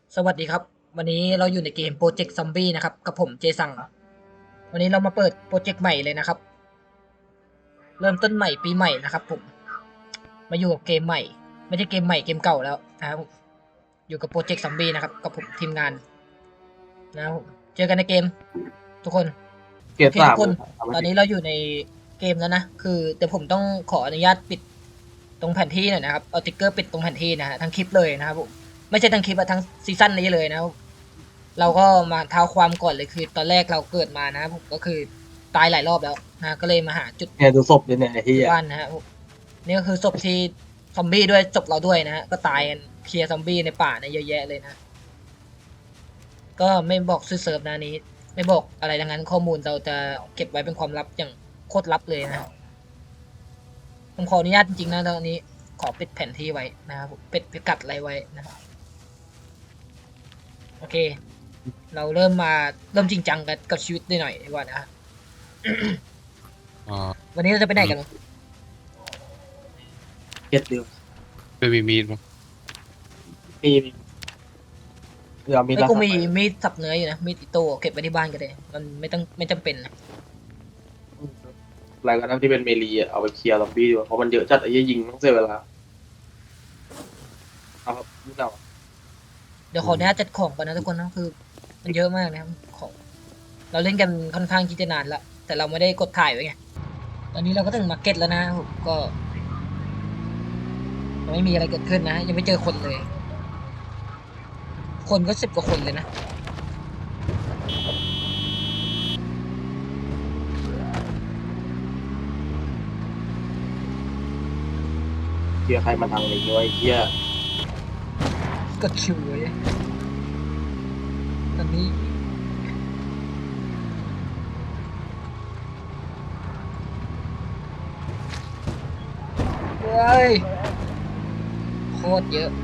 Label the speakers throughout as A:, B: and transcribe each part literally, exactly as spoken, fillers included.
A: สวัสดีครับวันนี้เราอยู่ในเกมโปรเจกต์ซอมบี้นะครับกับผมเจสังวันนี้เรามาเปิดโปรเจกต์ใหม่เลยนะครับเริ่มต้นใหม่ปีใหม่นะครับผมมาอยู่กับเกมใหม่ไม่ใช่เกมใหม่เกมเก่าแล้วนะครับผมอยู่กับโปรเจกต์ซอมบี้นะครับกับผมทีมงานนะครับผมเจอกันในเกมทุกคน
B: เกียร์สาม
A: โอเคทุกคน
B: ทำไม่
A: ตอน
B: ผิด
A: นี้เราอยู่ในเกมแล้วนะคือเดี๋ยวผมต้องขออนุญาตปิดตรงแผนที่หน่อยนะครับเอาติ๊กเกอร์ปิดตรงแผนที่นะฮะทั้งคลิปเลยนะครับผมไม่ใช่ทั้งคลิปอะทั้งซีซั่นนี้เลยนะครับ เราก็มาเท้าความก่อนเลยคือตอนแรกเราเกิดมานะครับผมก็คือตายหลายรอบแล้วนะก็เลยมาหาจุด
B: เนี่ยดูศพดิเนี่ยไอ้ที่
A: ที่
B: อ่ะ
A: บ้านนะฮะผมนี่ก็คือศพที่ซอมบี้ด้วยศพเราด้วยนะฮะก็ตายกันเคลียร์ซอมบี้ในป่าเนี่ยเยอะแยะเลยนะก็ไม่บอกชื่อเซิร์ฟนะนี้ไม่บอกอะไรดังนั้นข้อมูลเราจะเก็บไว้เป็นความลับอย่างโคตรลับเลยนะผมขออนุญาตจริงๆนะตอนนี้ขอปิดแผนที่ไว้นะครับผมปิดพิกัดอะไรไว้นะครับโอเค เราเริ่มมาเริ่มจริงจังกันกับชีวิตได้หน่อยดีกว่านะฮะ
C: อ๋อ
A: วันนี้เราจะไปไหนกัน
B: เกียร์เดียว
C: ไม่มีมีดมั้ง
B: มีมีเดี๋ยวมี
A: ไอ้ย
B: รา
A: กูมี
B: คาไป
A: มีดสับเนื้ออยู่นะมีดอิโต้เก็บไว้ที่บ้านก็ได้มันไม่ต้องไม่จำเป็นนะ
B: อะไรก็ได้ที่เป็นเมลีอ่ะเอาไปเคลียร์ซอมบี้ดีกว่าเพราะมันเยอะจัดไอ้ยี่ยิงต้องเสียเวลาเอาครับนี่เรา
A: เดี๋ยวขออนุญาตจัดของก่อนนะทุกคนนะคือ มันเยอะมากนะครับของเราเล่นกันค่อนข้างที่จะนานละแต่เราไม่ได้กดถ่ายไว้ไงตอนนี้เราก็ถึงมาร์เก็ตแล้วนะผมก็ยังไม่มีอะไรเกิดขึ้นนะยังไม่เจอคนเลย คนก็สิบกว่าคนเลยนะ
B: เคลียร์ใครมาทางนี้วะไอ้เหี้ย
A: กดคิวเลยตอนนี้เฮ้ยโคตรเยอะ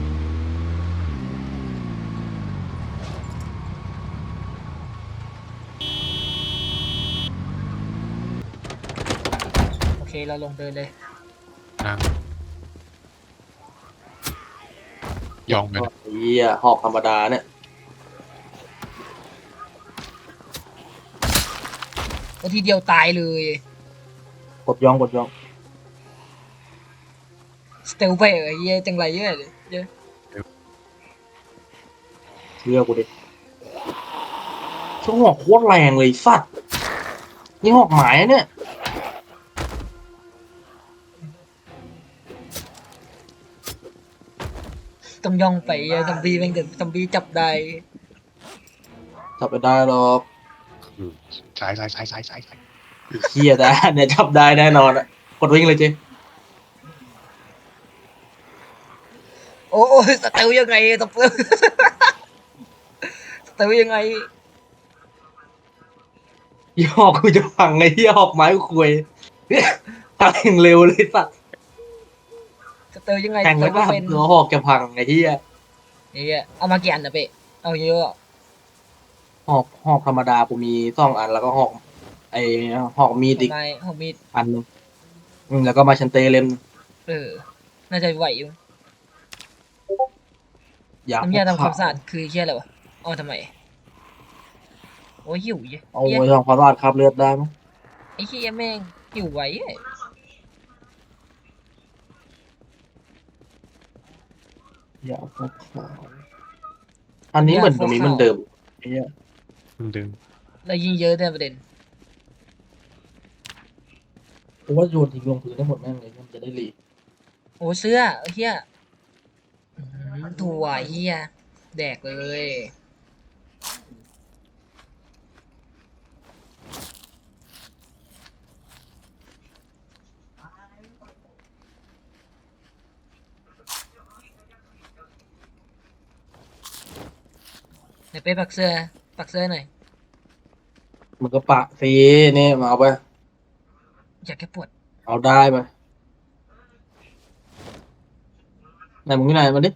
A: โอเคเราลงเดินเลย
C: นางยองไปนะ
B: ไอ้เหี้ยหอกธรรมดาเนี่ย
A: ก็ทีเดียวตายเลย
B: กดย่องกดย่อง
A: สเตลไปเออเหี้ยจังไรเยอะเลยเยอะ
B: เชื่อกูดิช่วงหอกโคตรแรงเลยสัตว์นี่หอกหมายอะเนี่ย
A: ต้องย่องไปเหี้ยซอมบี้แม่งเดินซอมบี้จับได้
B: จับไปได้หรอก
C: คือสายสายสายสายสายสาย
B: ไอ้เหี้ยแต่เนี่ยจับได้แน่นอนอ่ะกดวิ่งเลยเจ
A: โอ้ยสเตลยังไงสเตลสเตลยังไง
B: ยี่ห้อกูจะพังไอ้เหี้ยหอกไม้กูคุยพังอย่างเร็วเลยสัตว์
A: สเตลยังไง
B: แข่ง
A: สเต
B: ไม่ก็
A: ลไม่เป็น
B: หัวหอกจะพังไอ้เหี้ย
A: เนี่ยเอามากี่อันนะเป๊ะเอาเยอะอะ
B: หอกหอกธรรมดากูมีสองอันแล้วก็หอกไอ้หอกมีดอีก
A: ของไม้ของมีด
B: อันหนึงอืมแล้วก็มาชันเตเล่มหนึ่ง
A: เออน่าจะไหวอยู่
B: ยาพ
A: น้ำยาทำค
B: กขา
A: วามสะอาดคือเชี่ยอะไรวะเอามาทำไมโอ้ยหิวเหี้ย
B: เอา
A: เหี้ย
B: ไว้ทำความสะอาดคราบเลือดได้มั้ย
A: ไอ้เหี้ยแม่งหิวไว้เอ้ย
B: ยาพกขาอันนี้เหมือนตรงนี้มันเดิมไอ้เหี้ย
C: มันดึง
A: แล้วยิงเยอะแต่ประเด็น
B: กูว่าโยนทิ้งลงพื้นได้หมดแม่งเลยมันจะได้รี
A: โอ้เสื้อเฮียอื้อหือถั่วเฮียแดกเลยเดี๋ยวไปปักเสื้อปักเสื้อหน่อย
B: มันก็ปะซีนี่มาเอาไป
A: อยากแก้ปวด
B: เอาได้ไปไหนมึงอยู่ไหนมาดิ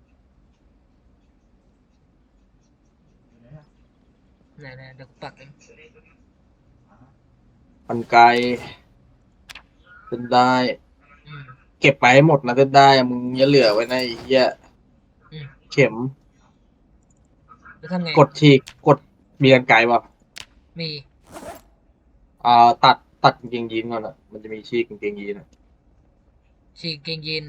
A: ไหนๆเดี๋ยวกูปักเอง
B: กันไกรเส้นได้
A: อืม
B: เก็บไปให้หมดนะเส้นได้อะมึงอย่าเหลือไว้ในะไอ้เหี้ย
A: อืม
B: เข็ม
A: แล้วทำไง
B: กดฉีกกดมีกันไกลป่ะ
A: มี
B: อ่าตัดตัดกางเกงยีนก่อนอ่ะมันจะมีฉีกกางเกงยีนอะ
A: ฉีกเกงยีน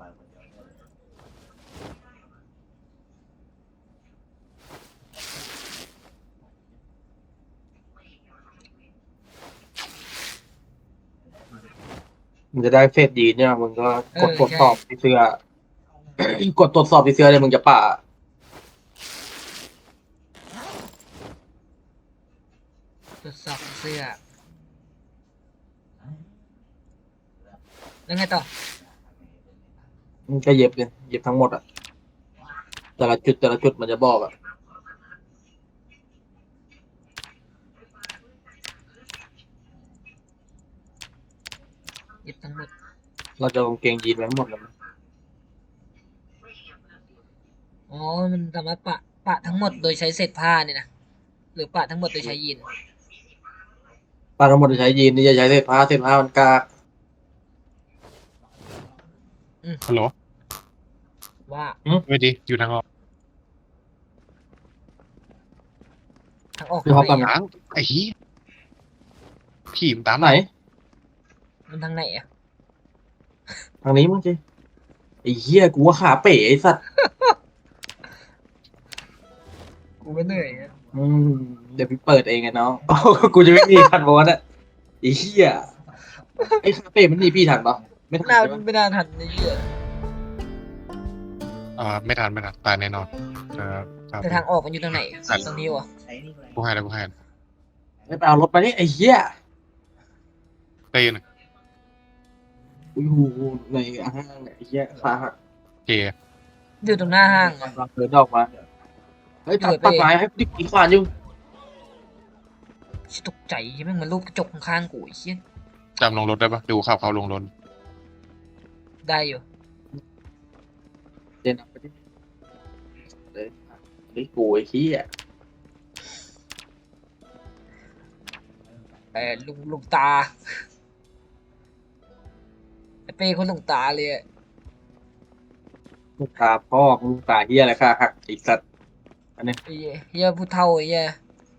B: มันจะได้เฟซยีนเนี่ยมึงก็กด
A: เออ
B: ตรวจสอบ
A: ใช่
B: ที่เสื้อ กดตรวจสอบที่เสื้อเลยมึงจะป่า
A: ตรวจสอบเสื้อแล้วไงต่อ
B: มึงก็เย็บเลยเย็บทั้งหมดอ่ะแต่ละจุดแต่ละจุดมันจะบอกอ่ะ
A: เย็บทั้งหมด
B: เราจะเอากางเกงยีนไว้ทั้งหมดเลย
A: อ๋อมันสามารถปะปะทั้งหมดโดยใช้เศษผ้าเนี่ยนะหรือปะทั้งหมดโดยใช้ยีน
B: ป้าทั้งหมดจะใช้ยีนนี่จะใช้เศษผ้าเศษผ้ามันกาก
C: ฮัลโหล
A: ว่า
C: ไม่ดีอยู่ทางออก
A: ทางออก
B: คือเขา
A: ทาง
B: กำ
A: ไหน
B: ลัง
C: ทางไอ้เหี้ยขี่มนตาม
B: ไหน
A: มันทางไหนอ่ะ
B: ทางนี้มึงจีไอ้เหี้ยกูว่าขาเป๋ไอ้สัตว์
A: กูก็เหนื่อยอะ
B: อืมเดี๋ยวพี่เปิดเองไงน้อง กูจะไม่มีพันวอนอ่ะไอ้เหี้ยไอ้ขาเป๋มันหนีพี่ทันปะไม่ทัน
A: น่า
B: ใช่ปะ
A: ไม่น่าทันไอ้เหี้ย
C: อ่าไม่ทันไม่ทันตายแน่นอนเออครับ
A: แต่ทางออกมันอยู่ทางไหนตรงนี้วะ
C: กูให้แล้วกูให้
B: ไม่ไปเอารถมานี่ไอ้เหี้ย
C: เต้น
B: อุ้ยหูในห้างเนี่ยไอ้เหี้ยขาหัก
C: เกย์
A: อยู่ตรงหน้าห้างอะ
B: เราเดินออกมาเฮ้ยตัด
A: เปิ
B: ตั
A: ด
B: ด
A: ไป
B: ไม้ให้ดิอีกขวานอยู่
A: ชิตกใจใช่ไหมงมันรูปกระจกข้างๆกูไอ้เหี้ย
C: จำลงรถได้ปะดูขับเขาลงรถ
A: ได้อยู่
B: เดินออกไปดิเดินไอ้กูไอ้เหี้ย
A: เออลุงลุงตาไอ้เป้คนลุงตาเลยอะ
B: ลูกตาพ่อลูกตาเหี้ยอะไรขาหักไอ้สัตว์
A: ไอ้เหี้ยเหี้ยผู้เฒ่าไอ้เหี้ย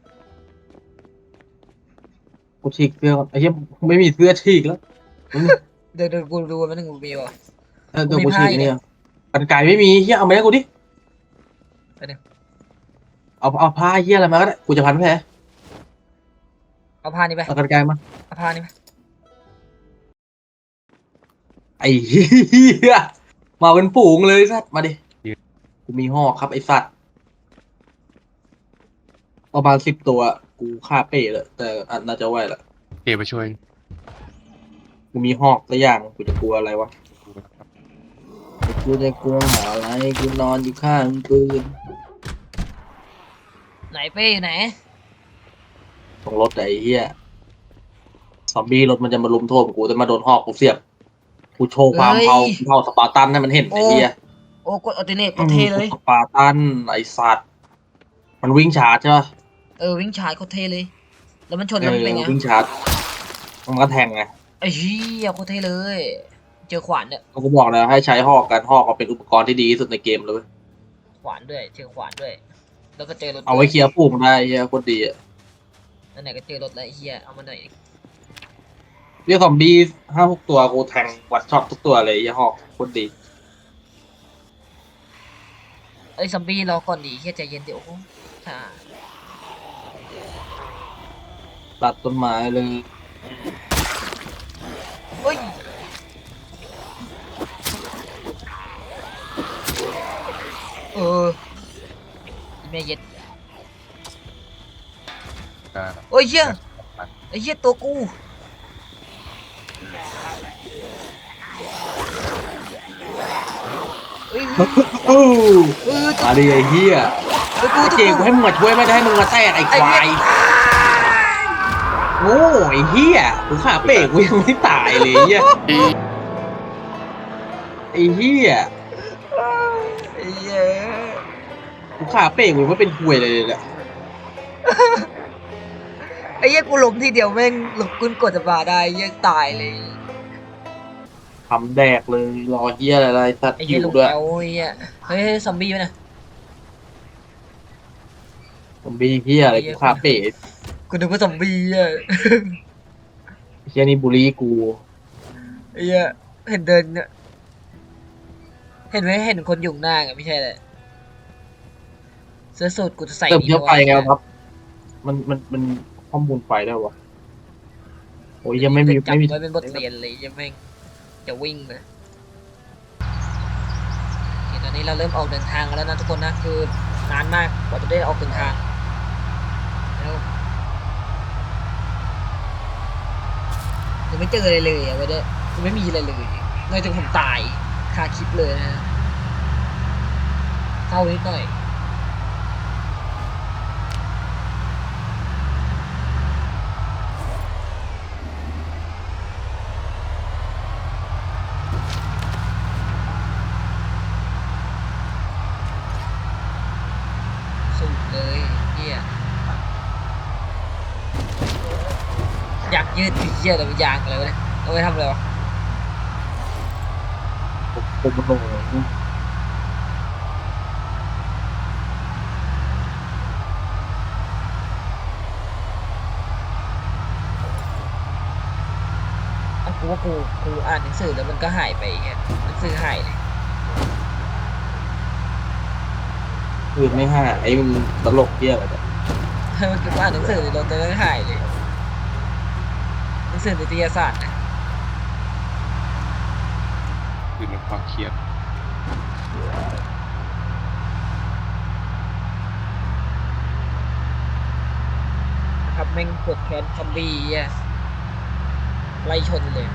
B: กูฉีกเสื้อก่อนไอ้เหี้ยไม่มีเสื้อฉีกแล้ว
A: เดี๋ยวเดี๋ยวกูดูว่ามันถึงกูมีวะ
B: เออเดี๋ยว
A: กู
B: กู
A: มี
B: ฉีก
A: ผ้าอยู่เนี่
B: เนี่ย ยกันไก่ไม่มีเหี้ยเอามาให้กูดิ
A: ไปหนึ่ง
B: เอาเอาผ้าเหี้ยอะไรมาก็ได้กูจะพันแผล
A: เอาผ้านี่ไป
B: เอากันไก่มา
A: เอาผ้านี่ไป
B: ไอ้เหี้ยมาเป็นฝูงเลยสัตว์มาดิกูมีหอกครับไอ้สัตว์ประมาณสิบตัวกูฆ่าเป้เลยแต่อันน่าจะไหวละ
C: เกย์ไปช่วย
B: กูมีหอกตัวอย่างกูจะกลัวอะไรวะกูจะกลัวหาอะไรกูนอนอยู่ข้างปืน
A: ไหนเป้อยู่ไหน
B: ตรงรถไอ้เหี้ยซอมบี้รถมันจะมาลุมโทมกูแต่มาโดนหอกกูเสียบกูโชว์ความเผาเผาสปาร์ตันให้มันเห็นไอ้เหี้ย
A: โอ้กดอัลเทอร์เนทกดเทเลย
B: สปาร์ตันไอ้สัตว์มันวิ่งชาร์จใช่ปะ
A: เออวิ่งชาร์จกดเทเลย แล้วมันชน
B: เอ
A: แล้วมัน
B: อ
A: เป็นไง
B: วิ่งชาร์จมันก็แทงไง
A: ไอ้เหี้ยกดเทเลย เจอขวานเนี่ย
B: ก็บอกแล้วให้ใช้หอกกันหอกก็เป็นอุปกรณ์ที่ดีที่สุดในเกมเลยเว้ย
A: ขวานด้วย เจอขวานด้วย แล้วก็เจอรถ
B: เอาไว้เคลียร์ปุ่มได้เฮียโคตรดีอ่ะ
A: นั่นไหนก็เจอรถแล้วไอ้เหี้ยเอามาหน่อย
B: เรียกซอมบี้ห้าหกตัวกูแทงวัดช็อตทุกตัวเลยเฮียหอกโคตรดี
A: เอ้ยซอมบี้รอก่อนดิเหี้ยใจเย็นเดี๋ยวโอ้โหช้า
B: ตัดต้นไม้เลย
A: เฮ้ยเออแม่เย็ด
C: ได้
A: โอ้ยเหี้ยไอ้เหี้ยตัวกูเอ้ย
B: โอ้
A: เออ
B: มาดิไอ้เฮีย
A: ตัวกู
B: ไอ้
A: ตัว
B: เจกู
A: กู
B: ให้มึงมาช่วยไม่ได้ให้มึงมาแทรกไอ้ควายโง่ไอ้เฮียกูขาเป๋กูยังไม่ตายเลยเฮีย
C: เอ้ย
B: ไอ้เฮีย
A: ไอ้เหี้ย
B: กูขาเป๋กูไม่เป็นควยเลยเลยแหละ
A: ไอ้เหี้ยกูล้มทีเดียวแม่งหลบกุนกดจะมาได้เหี้ยตายเลย
B: ทำแดกเลยรอเฮียอะไรสัตว์
A: ไอ้
B: อ
A: เหี้ย
B: ยู่
A: ลง
B: ด้วย
A: แอลไอ้เหี้ยเฮ้ยซอมบี้ไหมนะ
B: ซอมบี้เฮียอะไรกูคาเฟ่
A: กูนึกว่าซอมบี้อ่ะ
B: เฮียนี่บูลลี่กู
A: ไอ้เหี้ยเห็นเดินเนี่ยเห็นไหมเห็นคนอยู่หน้าไงไม่ใช่เลยเสื้อสูทกูจะใส่
B: เติม
A: นี่
B: เยอะไป
A: ว้
B: ไงครับ มันมันมันข้อมูลไฟได้วะโอ้ยยังไม่มี
A: จะ
B: ไม่มี
A: จำไว้เป็นบทเรียนเลยยังไม่งจะวิ่งเลยโอเคตอนนี้เราเริ่มออกเดินทางกันแล้วนะทุกคนนะคือนานมากกว่าจะได้ออกเดินทางแล้วยังไม่เจออะไรเลยอ่ะวันนี้ยังไม่มีอะไรเลยนอกจากผมตายคาคลิปเลยนะเศร้านิดหน่อยสุดเลยเฮียอยากยืดคือเฮียแต่มันยางอะไรวะเนี่ยเอาไว้ทำอะไรวะ
B: ผมมันโง่
A: อ่ะกูว่ากูกูอ่านหนังสือแล้วมันก็หายไปเงี้ยหนังสือหายเลย
B: คือไม่ห้าไอ้มันตลกเฮียอะไรเนี่ย
A: เมื่อกี้กูอ่านหนังสือแล้วมันก็หายเลยหนังสือนิตยสารนะ
C: คือลดความเครียด
A: ครับแม่งปวดแขนซอมบี้อ่ะไล่ชนเลย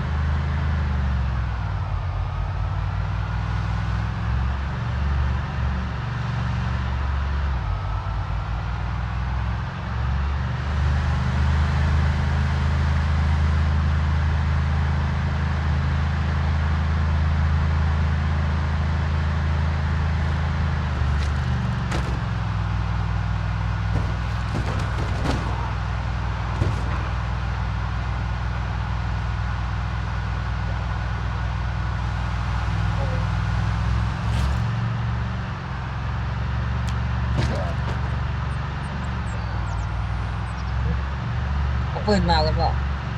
A: เอาปืนมาแล้วบอก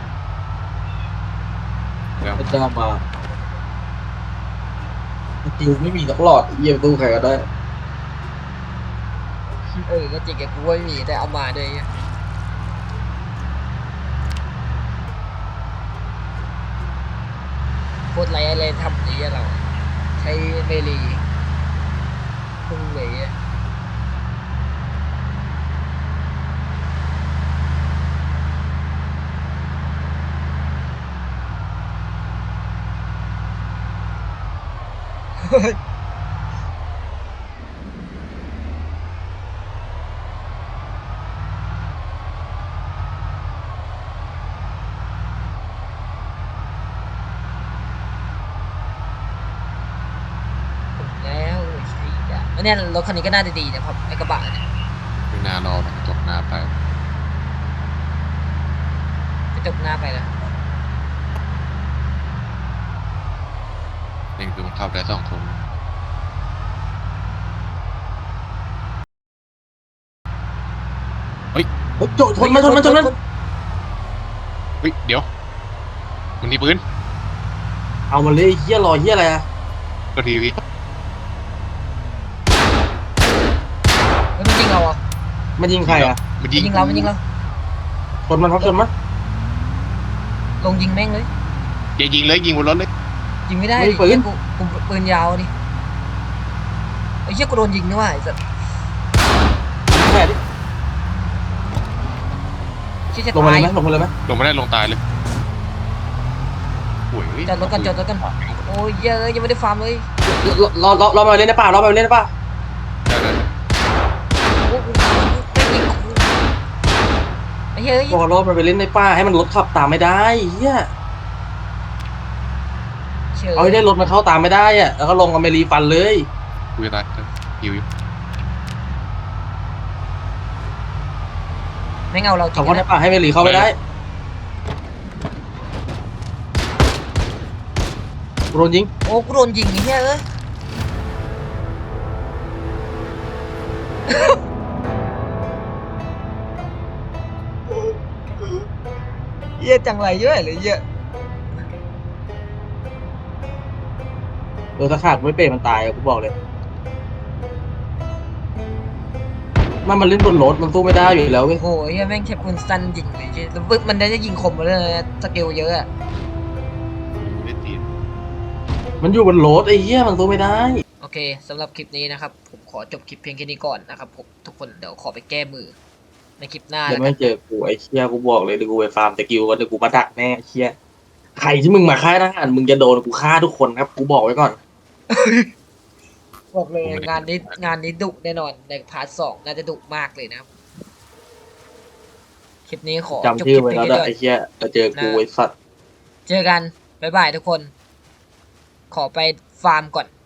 C: แล้ว
B: พระเจ้ามาสกิลไม่มีสักหลอดเยี่ยมตู้ใครก็ได้
A: เออก็จริงแกกูไม่มีแต่เอามาด้วยอ่ะโคตรไรอะไรทำนี้อะเราใช้เมลีพุ่งเลยอ่ะเฮ้ยแล้วใช่อ่ะแล้วเนี่ยรถคันนี้ก็น่าจะดีนะครับไอ้กระบะเนี่ย
C: ไม่น่ารอมันจบหน้าไป
A: กระจกหน้าไปแล้ว
C: นี่คือมันเข้าได้สองคน
B: เฮ้ยโจชนมาชนมาชนมัน
C: เฮ้ยเดี๋ยว มันมีปืน
B: เอามาเลยเฮียรอเฮียอะไรอะ
C: ก็ทีวี
A: เฮ้ยมันยิงเราอ่ะ
B: มันยิงใครอะ
C: มัน
A: มัน
C: ยิง
A: ยิงเรามันยิงเรา
B: ชนมันครับชนมัน
A: ลงยิงแม่งเลย
C: อย่ายิงเลยยิงบนรถเลย
A: ยิงไม่ได้
B: ไม่
A: ดิ
B: มีปืน
A: เหี้ยกูกูปืนยาวดิไอ้เหี้ยกูโดนยิงด้วยว่ะไอ้สัส
B: แค่ดิ
A: เชี่ยจะ
B: ลงมา
A: ตา
B: เลย ยไหมลงมาเลยไหม
C: ลงไม่ได้ลงตายเลยโอ้ย
A: จอดรถกันจอดรถกันโอ้ยเหี้ยอะยังไม่ได้ฟาร์มเลย
B: รอรอรอรอมาเล่นในป่ารอมาเล่นในป่า
C: ได้ได้ได้
A: โอ้โหไม่ยิงกูไอ้เหี้ยเอ้ย
B: รอรอมาไปเล่นในป่าให้มันรถขับตามไม่ได้เฮีย
A: เชื่อ
B: เอาให้ได้รถมันเข้าตามไม่ได้อะแล้วก็ลงอเมรีฟันเลย
C: กูจะตายหิวอยู่
A: แม่งเอาเราจริ
B: ขับ
A: ง
B: เข้าใน
A: นะ
B: ป่าให้อเมรีเข้าไม่ได้โดนยิง
A: โอ้กูโดนยิงไอ้เหี้ยเอ้ยหี้ยจังไรเยอะเลยเหี้ย
B: เออถ้าขาดไม่เป็นมันตายอะกูบอกเลยมันมันเล่นบนรถมันสู้ไม่ได้อยู่แล้วเว้ย
A: โอ้โหเหี้ยแม่งแค่ปืนสั้นยิงเลยเหี้ยแล้วปึ๊บมันได้จะยิงคมมาเลยนะสเกลเยอะอะ
C: ไม่ตีน
B: มันอยู่บนรถไอ้เหี้ยมันสู้ไม่ได้
A: โอเคสำหรับคลิปนี้นะครับผมขอจบคลิปเพียงแค่นี้ก่อนนะครับผมทุกคนเดี๋ยวขอไปแก้มือในคลิปหน้า
B: เดี๋ย
A: แล้ว วกั
B: ไม่
A: น
B: เจอกูไอ้เชี่ยกูบอกเลยเดี๋ยวกูไปฟาร์มสกิลก่อนเดี๋ยวกูมาดักแน่ไอ้เชี่ยใครที่มึงมาฆ่าทหารมึงจะโดนกูฆ่าทุกคนครับกูบอกไว้ก่อน
A: บอกเลยงานนี้งานนี้ดุแน่นอนในพาร์ทสองน่าจะดุมากเลยนะครับคลิปนี้ขอจบ
B: จำ
A: ค
B: ชื่
A: ลิ
B: อ
A: ป
B: ไว้
A: เพียง
B: แล้ว
A: แค่
B: นะ
A: นี้ก่อน
B: ไอ้เชี่ยจะเจอกูไอ้สัตว์
A: เจอกันบ๊ายบายทุกคน ขอไปฟาร์มก่อน